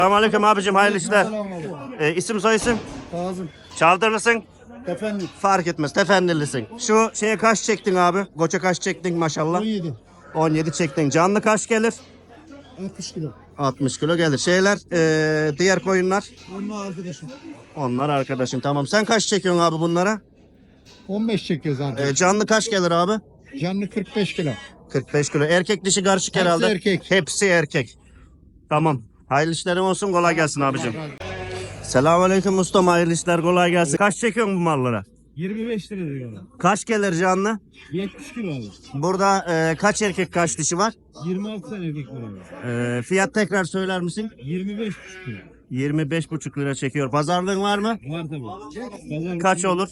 Selamünaleyküm abicim, hayırlı işler. Selamünaleyküm. İsim soyisim? Kazım. Çaldırlısın? Efendim. Fark etmez, tefendilisin. Şu şeye kaç çektin abi? Koça kaç çektin maşallah? 17. 17 çektin. Canlı kaç gelir? 60 kilo. 60 kilo gelir. Şeyler, diğer koyunlar? Onlar arkadaşım. Onlar arkadaşın, tamam. Sen kaç çekiyorsun abi bunlara? 15 çekiyor zaten. Canlı kaç gelir abi? Canlı 45 kilo. 45 kilo. Erkek dişi karışık Hepsi herhalde. erkek. Hepsi erkek. Tamam. Hayırlı işlerin olsun, kolay gelsin abicim. Selamünaleyküm ustam, hayırlı işler, kolay gelsin. Kaç çekiyorsun bu mallara? 25 lira diyorlar. Kaç gelir canlı? 70 kilo alır. Burada kaç erkek kaç dişi var? 26 tane erkek var. Fiyat tekrar söyler misin? 25 kilo. 25,5 lira çekiyor. Pazarlığın var mı? Var tabii. Kaç olur?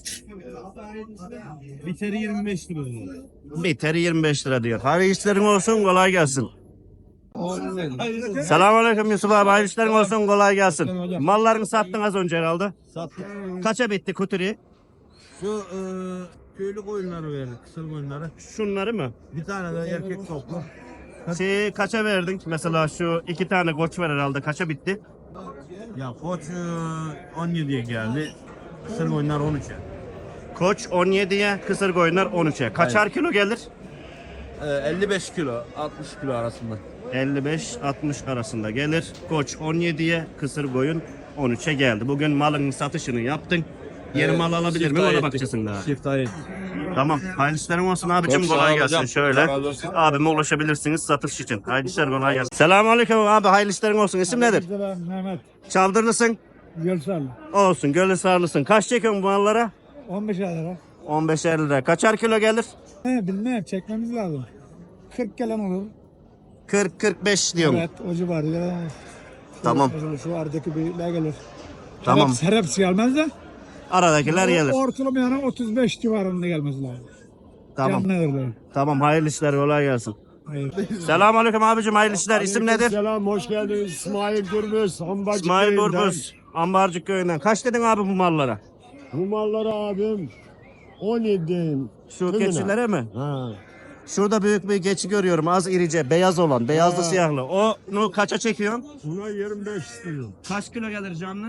Biteri 25 lira diyor. Biteri 25 lira diyor. Hayırlı işlerin olsun, kolay gelsin. Selamünaleyküm Yusuf abi, hayırlı işlerin olsun, kolay gelsin. Mallarını sattın az önce herhalde. Sattık. Kaça bitti kuturi? Şu köylü koyunları verdik. Kısır koyunları. Şunları mı? Bir tane de erkek toplu. Kaça verdin? Mesela şu 2 tane koç var herhalde. Kaça bitti? Ya koç 17'ye geldi. Kısır koyunlar 13'e. Koç 17'ye, kısır koyunlar 13'e. Kaçar kilo gelir? 55 kilo, 60 kilo arasında. 55-60 arasında gelir. Koç 17'ye, kısır koyun 13'e geldi. Bugün malın satışını yaptın. Yeni mal alabilir mi? Ona bakacaksın daha. Şiftahı. Tamam. Hayırlı işlerin olsun abicim. Çok sağ Kolay ol gelsin. hocam. Şöyle. Allah razı olsun. Abime ulaşabilirsiniz satış için. Hayırlı işler, kolay gelsin. Selamünaleyküm abi. Hayırlı işlerin olsun. İsim nedir? Mehmet. Çaldırlısın. Gölsal. Olsun. Gölü sarlısın. Kaç çekiyorsun bu mallara? 15 lira. 15'er lira. Kaçar kilo gelir? Bilmem çekmemiz lazım. 40 gelen olur. 40-45 diyorum. Evet o civarı. Tamam. Şu aradaki büyükler gelir. Tamam. Hepsi gelmez de. Aradakiler gelir. Ortalama yani 35 civarında gelmesi lazım. Tamam. Canlı Tamam. Hayırlı işler. Kolay gelsin. Hayır. Selamünaleyküm abicim. Hayırlı işler. İsim nedir? Selam, hoş geldiniz. İsmail Gürbüz, Ambarcık İsmail köyünden. Burbuz. Ambarcık köyünden. Kaç dedin abi bu mallara? Bu malları abim 17. Şu Tümüne. keçilere mi? Ha. Şurada büyük bir keçi görüyorum. Az irice, beyaz olan. Beyazlı siyahlı. Onu kaça çekiyorsun? Buna 25 istiyorum. Kaç kilo gelir canlı?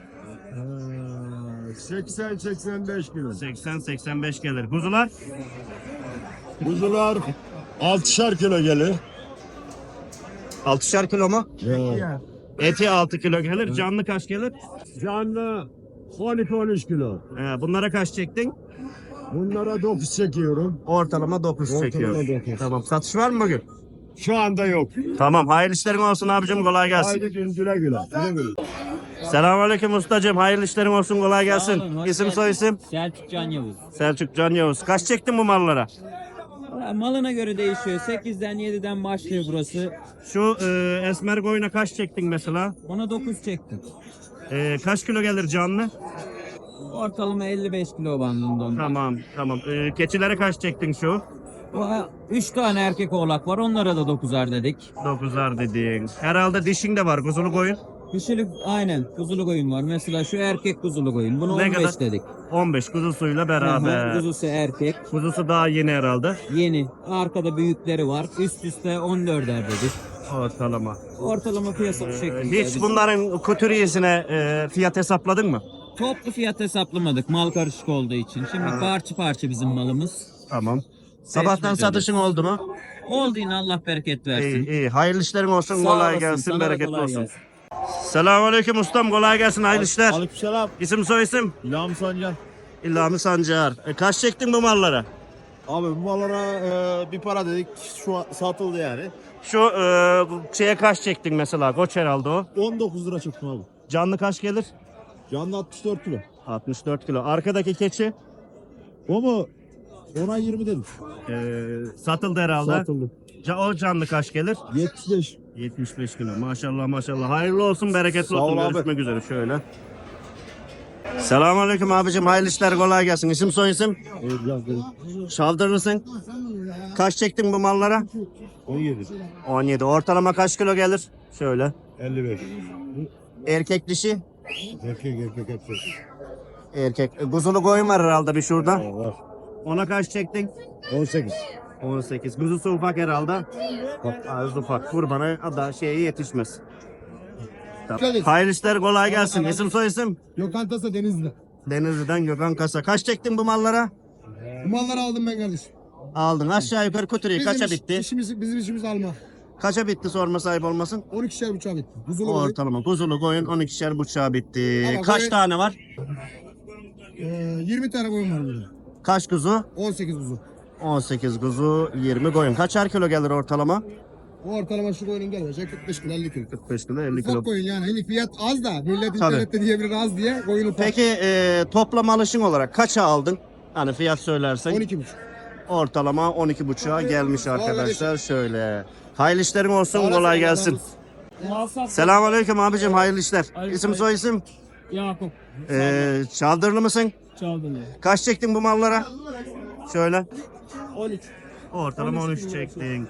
80-85 kilo. 80-85 gelir. Kuzular? Kuzular 6'şar kilo gelir. 6'şar kilo mu? Ya. Eti 6 kilo gelir. Canlı kaç gelir? Canlı 12-13 kilo. Bunlara kaç çektin? Bunlara 9 çekiyorum. Ortalama 9 çekiyor. 9. Tamam. Satış var mı bugün? Şu anda yok. Tamam. Hayırlı işlerin olsun abicim. Kolay gelsin. Haydi güle güle. Güle güle. Selamünaleyküm ustacığım. Hayırlı işlerin olsun. Kolay gelsin. Sağ olun, hoş İsim geldin. soy isim? Selçuk Can Yavuz. Selçuk Can Yavuz. Kaç çektin bu mallara? Malına göre değişiyor. 8'den 7'den başlıyor burası. Şu esmer koyuna kaç çektin mesela? Ona 9 çektim. Kaç kilo gelir canlı? Ortalama 55 kilo bandında onda. Tamam tamam. Keçilere kaç çektin şu? 3 tane erkek oğlak var. Onlara da 9'ar dedik. 9'ar dedin. Herhalde dişin de var. Kuzulu koyun. Kişilik aynen kuzulu koyun var. Mesela şu erkek kuzulu koyun. Bunu Ne 15 kadar? dedik. 15 kuzusuyla Aha, beraber. kuzusu erkek. Kuzusu daha yeni herhalde. Yeni. Arkada büyükleri var. Üst üste 14'er dedik. Ortalama. Ortalama piyasa bu şekilde. Hiç bunların kuturiyesine fiyat hesapladın mı? Toplu fiyat hesaplamadık mal karışık olduğu için. Şimdi parça parça bizim malımız. Tamam. Sabahtan satışın oldu mu? Oldu yine Allah bereket versin. İyi iyi. Hayırlı işlerin olsun. Sağ Kolay olasın, gelsin. sana da Bereketli kolay olsun. gelsin. Selamünaleyküm ustam. Kolay gelsin. Hayırlı işler. Aleykümselam. İsim soy isim? İlham Sancar. İlhami Sancar. Kaç çektin bu mallara? Abi bu mallara bir para dedik. Şu an satıldı yani. Şu şeye kaç çektin mesela? Koç herhalde o. 19 lira çıktım abi. Canlı kaç gelir? Canlı 64 kilo. 64 kilo. Arkadaki keçi O mu? Ona 20 dedim. satıldı herhalde. Satıldı. O canlı kaç gelir? 75. 75 kilo. Maşallah maşallah. Hayırlı olsun, bereketli Sağ ol olsun. abi. Görüşmek üzere şöyle. Selamünaleyküm abicim. Hayırlı işler, kolay gelsin. İsim soy isim? Biraz dedim. Şavdırlısın. Kaç çektin bu mallara? 17. 17. Ortalama kaç kilo gelir? Şöyle. 55. Erkek dişi? Erkek hepsi. Erkek. Kuzulu koyun var herhalde bir şurada. Var. Ona kaç çektin? 18. 18. Kuzusu ufak herhalde. Az ufak. Kurbana da şeye yetişmez. Tamam. Hayırlı işler, kolay gelsin. İsim soy isim? Gökhan Tasa Denizli. Denizli'den Gökhan Kasa. Kaç çektin bu mallara? Bu malları aldım ben kardeşim. Aldın. Aşağı yukarı kuturuyu. Kaça bitti? Bizim işimiz alma. Kaça bitti sorma sahip olmasın? 12'şer buçuğa bitti. Buzulu koyun. Ortalama. Kuzulu koyun 12'şer buçuğa bitti. Ama Kaç koyun- tane var? 20 tane koyun var burada. Kaç kuzu? 18 buzu. 18 kuzu, 20 koyun. Kaçar kilo gelir ortalama? Bu ortalama şu koyunun gelecek 45 kilo 50 kilo. 45 kilo, 50 kilo. Ufak koyun yani. Hani fiyat az da. Millet Tabii. internette diyebilir az diye koyunu ufak. Peki toplam alışın olarak kaça aldın? Hani fiyat söylersen. 12,5. Ortalama 12,5'a gelmiş arkadaşlar. kardeşim. Şöyle. Hayırlı işlerin olsun, Sağ kolay olasın, gelsin. Selamünaleyküm abicim, hayırlı işler. İsim soy isim? Yakup Çaldırlı mısın? Çaldırlı. Kaç çektin bu mallara? Şöyle. 13. Ortalama 13 çektin.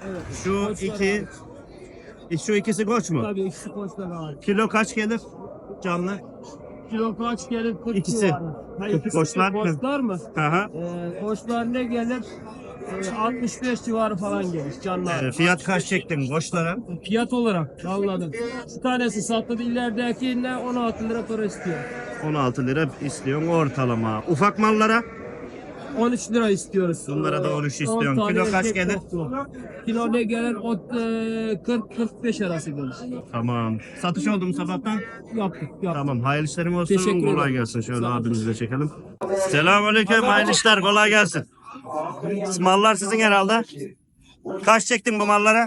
Şu ikisi koç mu? Tabii ikisi koçlar var. Kilo kaç gelir? Canlı. Kilo kaç gelir? 40 İkisi. civarı. Hayır, Koçlar. koçlar mı? Aha. Koçlar ne gelir? 65 civarı falan gelir canlar. Fiyat kaç çektin koçlara? Fiyat olarak anladım. Bir tanesi satıldı, ileridekine 16 lira para istiyor. 16 lira istiyorsun ortalama. Ufak mallara? 13 lira istiyoruz. Bunlara da 13 istiyorsun. 10 tane Kilo kaç erkek gelir? toplu. Kilo ne gelir? 40-45 arası gelir. Tamam. Satış oldu mu sabahtan? Yaptık. Tamam. Hayırlı işlerin olsun. Teşekkür ederim. Kolay gelsin. Şöyle abimizi de çekelim. Selamünaleyküm. Hayırlı işler. Kolay gelsin. Mallar sizin herhalde. Kaç çektin bu mallara?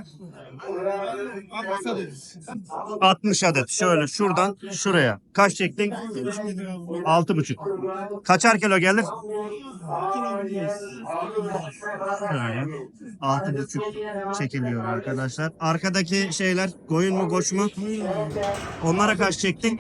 60 adet. Şöyle şuradan şuraya. Kaç çektin? 6,5. Kaçar kilo gelir? Şöyle. 6,5 çekiliyor arkadaşlar. Arkadaki şeyler koyun mu koç mu? Onlara kaç çektin?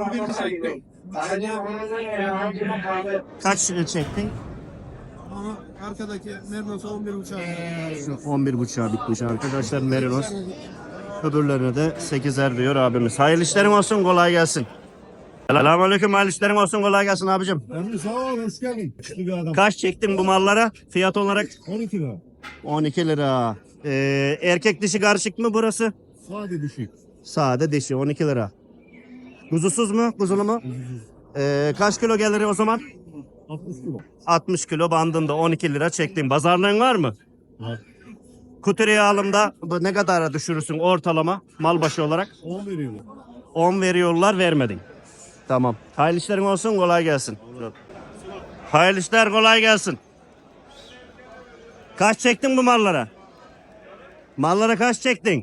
Kaç çektin? Ama arkadaki Mernos'a 11,5. Şu 11,5'a bitmiş arkadaşlar Merinos. Öbürlerine de 8'er diyor abimiz. Hayırlı işlerin olsun, kolay gelsin. Selamünaleyküm, hayırlı işlerin olsun, kolay gelsin abicim. Emre sağ ol, hoş geldin. Çıktı bir adam. Kaç çektin bu mallara? Fiyat olarak 12 lira. 12 lira. Erkek dişi karışık mı burası? Sade düşük. Sade dişi 12 lira. Kuzusuz mu? Kuzulu mu? Kaç kilo gelir o zaman? 60 kilo. 60 kilo bandında 12 lira çektin. Pazarlığın var mı? Var. Kuturuya alımda bu ne kadara düşürürsün ortalama mal başı olarak? 10 veriyorlar. 10 veriyorlar, vermedin. Tamam. Hayırlı işlerin olsun, kolay gelsin. Hayırlı işler, kolay gelsin. Kaç çektin bu mallara? Mallara kaç çektin?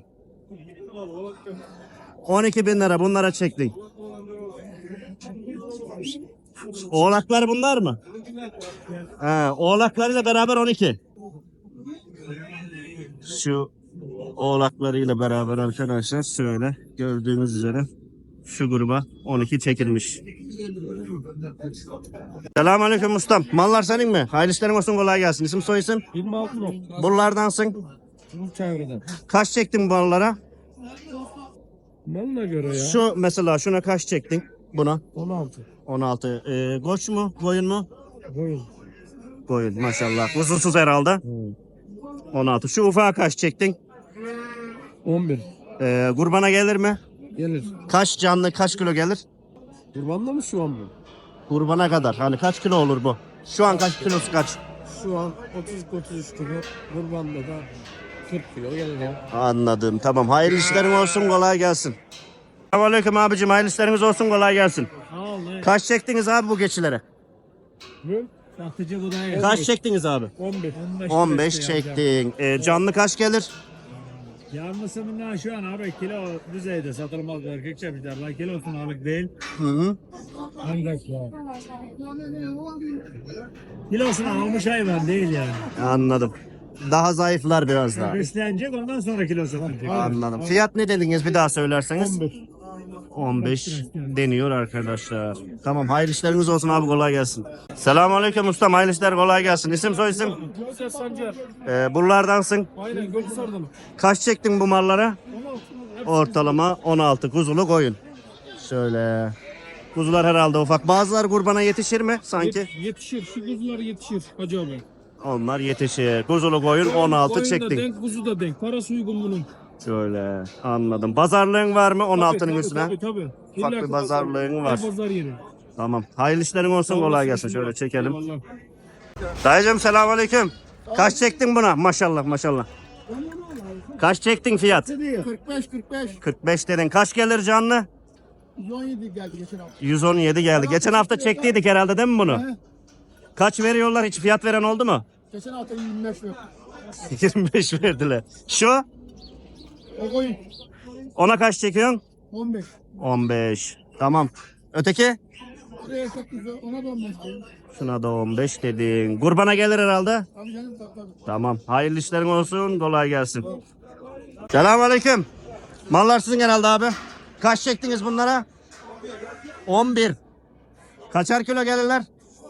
12.000 lira bunlara çektin. Oğlaklar bunlar mı? He, oğlaklarıyla beraber 12. Şu oğlaklarıyla beraber arkadaşlar şöyle gördüğünüz üzere şu gruba 12 çekilmiş. Selamünaleyküm ustam. Mallar senin mi? Hayırlı işlerin olsun, kolay gelsin. İsim soy isim? 26 lira. Buralardansın. Bu çevreden. Kaç çektin bu mallara? Malına göre ya. Şu mesela şuna kaç çektin? Buna 16. 16. Koç mu? Koyun mu? Koyun. Koyun maşallah. Kuzunsuz herhalde. 16. Şu ufağa kaç çektin? 11. Kurbana gelir mi? Gelir. Kaç canlı kaç kilo gelir? Kurbanla mı şu an mı? Kurbana kadar. Hani kaç kilo olur bu? Şu an kaç kilosu kaç? Şu an 30-33 kilo. Kurbanda da 40 kilo gelir ya. Anladım. Tamam. Hayırlı işlerin olsun. Kolay gelsin. Selamünaleyküm abicim. Hayırlı işleriniz olsun. Kolay gelsin. Sağ ol. Kaç çektiniz abi bu geçilere? Satıcı bu da Kaç çektiniz abi? 15. 15 çektin. Canlı kaç gelir? Yanlısından şu an abi kilo düzeyde satılmaz erkek çemişler. Kilosunu alık değil. Hı hı. Ancak ya. Kilosunu almış hayvan değil yani. Anladım. Daha zayıflar biraz daha. Beslenecek ondan sonra kilosunu alacak. Anladım. Fiyat ne dediniz bir daha söylerseniz? 15 deniyor arkadaşlar. Tamam, hayırlı işleriniz olsun abi, kolay gelsin. Selamünaleyküm ustam, hayırlı işler, kolay gelsin. İsim soy isim? Gökçe Sancar. Buralardansın. Aynen Gökçe'den. Kaç çektin bu mallara? Ortalama 16 kuzulu koyun. Şöyle. Kuzular herhalde ufak. Bazıları kurbana yetişir mi sanki? Yetişir. Şu kuzular yetişir Hacı abi. Onlar yetişir. Kuzulu koyun 16 Koyun da çektin. denk, kuzu da denk. Parası uygun bunun. Şöyle anladım. Pazarlığın var mı 16'nın üstüne? Tabii. Ufak bir pazarlığın var. Pazar yeri. Tamam. Hayırlı işlerin olsun, kolay gelsin. Şöyle çekelim. Vallahi. Dayıcım selamünaleyküm. Kaç çektin buna? Maşallah maşallah. Kaç çektin fiyat? 45. 45 dedin. Kaç gelir canlı? 117 geldi geçen hafta. 117 geldi. Geçen hafta çektiydik herhalde değil mi bunu? Kaç veriyorlar? Hiç fiyat veren oldu mu? Geçen hafta 25 yok. 25 verdiler. Şu? O koyun. Ona kaç çekiyorsun? 15. 15. Tamam. Öteki? Buraya 8 ona da 15 koyun. Şuna da 15 dedin. Kurbana gelir herhalde. Abi canım tabii. Tamam. Hayırlı işlerin olsun. Kolay gelsin. Selamünaleyküm. Mallar sizin herhalde abi. Kaç çektiniz bunlara? 11. Kaçar kilo gelirler?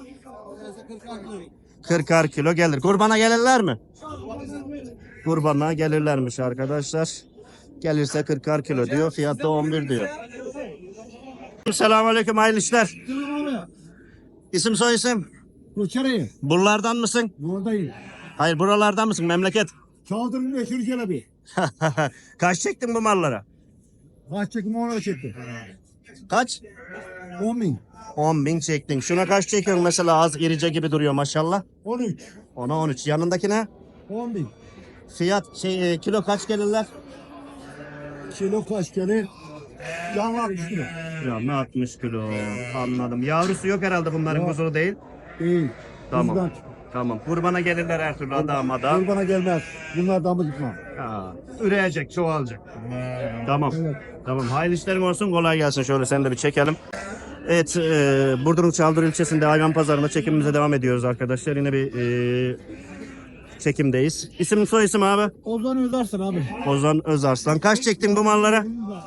40'ar kilo gelir. Kurbana gelirler mi? Kurbana gelirlermiş arkadaşlar. Gelirse 40'ar kilo diyor. Fiyat da 11 diyor. Selamünaleyküm. Hayırlı işler. İsim soy isim? Koçarayı. Buralardan mısın? Buradayım. Hayır, buralardan mısın memleket? Çaldırın meşhur Celebi. Kaç çektin bu mallara? Kaç çekimi ona çekti. Kaç? 10.000. 10.000 çektin. Şuna kaç çekiyorsun mesela, az irice gibi duruyor maşallah. 13. Ona 13. Yanındakine 10.000. fiyat kilo kaç gelirler? Kilo kaç gelir? Yanlar 60 kilo. Ya 60 kilo. Anladım. Yavrusu yok herhalde bunların, kuzulu değil. Değil. Tamam. Bizden. Tamam. Kurbana gelirler her türlü adamada. Kurbana gelmez. Bunlar damız gitmem. Ha, üreyecek, çoğalacak. Tamam. Evet. Tamam. Hayırlı işlerin olsun. Kolay gelsin. Şöyle seni de bir çekelim. Evet, Burdur'un Çaldır ilçesinde hayvan pazarında çekimimize devam ediyoruz arkadaşlar. Yine bir çekimdeyiz. İsim soy isim abi? Ozan Özarsın abi. Ozan Özarslan. Kaç çektin bu mallara?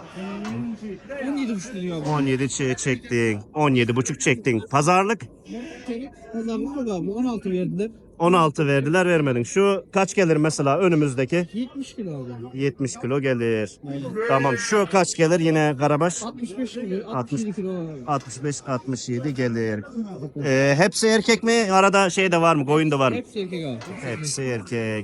17,5 lira abi. 17 çektin. 17,5 çektin. Pazarlık? Pazarlık yok abi. 16 verdiler. 16 verdiler, vermedin. Şu kaç gelir mesela önümüzdeki? 70 kilo abi. 70 kilo gelir. Tamam. Şu kaç gelir yine Karabaş? 65 kilo. 67 kilo abi. 65-67 gelir. Hepsi erkek mi? Arada şey de var mı? Koyun da var mı? Hepsi erkek abi. Hepsi erkek.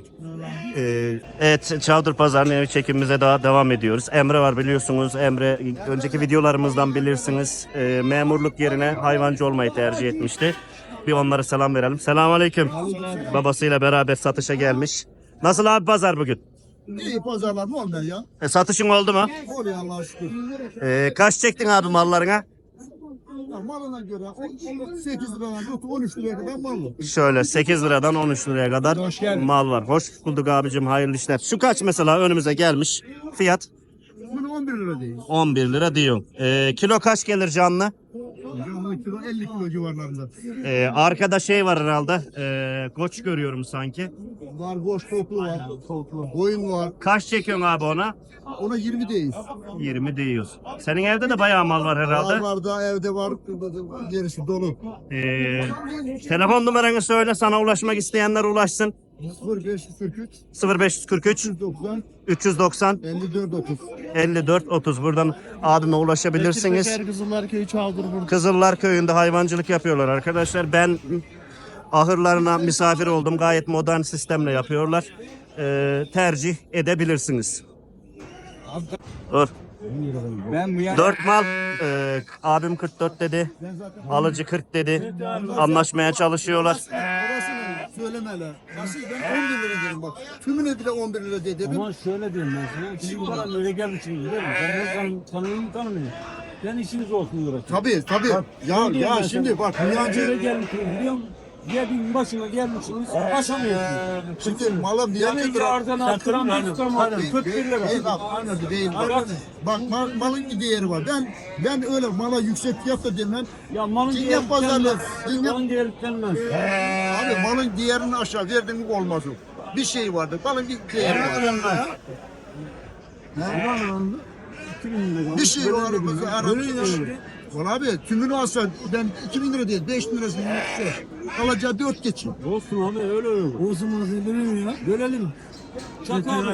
Evet, Çavdır Pazarı'nın ev çekimimize daha devam ediyoruz. Emre var, biliyorsunuz. Emre önceki videolarımızdan bilirsiniz. Memurluk yerine hayvancı olmayı tercih etmişti. Bir onlara selam verelim. Selamünaleyküm. Babasıyla beraber satışa gelmiş. Nasıl abi pazar bugün? İyi pazarlar mı olmuyor ya? Satışın oldu mu? Oluyor Allah'a şükür. Kaç çektin abi mallarına? Ya malına göre 8 liradan tut 13 liraya kadar mal var. Şöyle 8 liradan 13 liraya kadar mal var. Hoş bulduk abicim, hayırlı işler. Şu kaç mesela önümüze gelmiş? Fiyat? Bunu 11 lira değil. 11 lira diyor. Kilo kaç gelir canlı? Canlı kilo 50 kilo civarlarında. Arkada şey var herhalde. Koç görüyorum sanki. Var boş toplu var. Toplu. Koyun var. Kaç çekiyorsun abi ona? Ona 20 değil. 20 diyoruz. Senin evde de bayağı mal var herhalde. Var da evde var. Gerisi dolu. Telefon numaranı söyle, sana ulaşmak isteyenler ulaşsın. 0543 0543 90 390 54 30. 54 30. Buradan abime ulaşabilirsiniz. Kızıllar Köyü Çavdır burada. Kızıllar Köyü'nde hayvancılık yapıyorlar arkadaşlar. Ben ahırlarına misafir oldum. Gayet modern sistemle yapıyorlar. Tercih edebilirsiniz. Dur. Ben bu 4 mal. Abim 44 dedi. Alıcı 40 dedi. Anlaşmaya çalışıyorlar. Orasını söylemeler. Nasıl ben 11 lira dedim bak. Tümüne bile 11 lira dedim. Ama şöyle diyeyim ben sana. Sizin bana öyle gelmişsiniz biliyor musun? Ben tanıyorum tanımıyorum. Ben işiniz olsun uğraşıyorum. Tabii. Ya şimdi bak Öyle Niyancı gelmişsiniz biliyor musun? Yerin başına gelmişsiniz, aşamıyorsunuz. şimdi malım Niyancı Demin ki aradan attıran tutamadım. 41 lira. Değil. Bak malın bir değeri var. Ben öyle mala yüksek fiyat da demem. Ya malın Dünya değeri pazarlığı. denmez. Malın değeri denmez. Abi malın değerini aşağı verdin mi olmaz o. Bir şey vardır. Malın bir değeri var. Bir şey var aramızda. Valla abi tümünü alsa ben 2000 lira değil 5000 lirasını alacağı 4 geçin. Olsun abi öyle öyle. Olsun verelim ya. Verelim. Çak abi.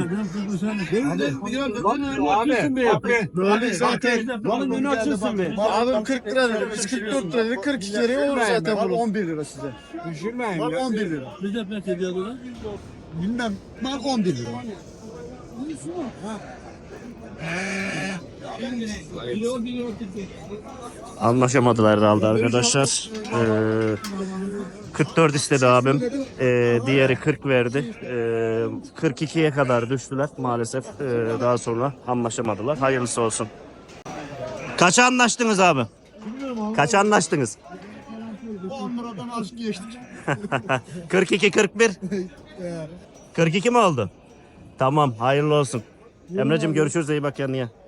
Abi zaten Malın önü açılsın be. Abi 40 lira dedi. Biz 44 lira dedik. 42 liraya olur zaten mal bunu. 11 lira size. Düşürmeyin Mal ya. 11 lira. Biz de pek ediyordu lan. Bilmem mal 11 lira. Anlaşamadılar herhalde arkadaşlar. 44 istedi abim. Diğeri 40 verdi. 42'ye kadar düştüler maalesef. Daha sonra anlaşamadılar. Hayırlısı olsun. Kaça anlaştınız abi? Kaça anlaştınız? 10 liradan az geçtik. 42 41. 42 mi oldu? Tamam, hayırlı olsun. Emre'cim görüşürüz, iyi bak kendine.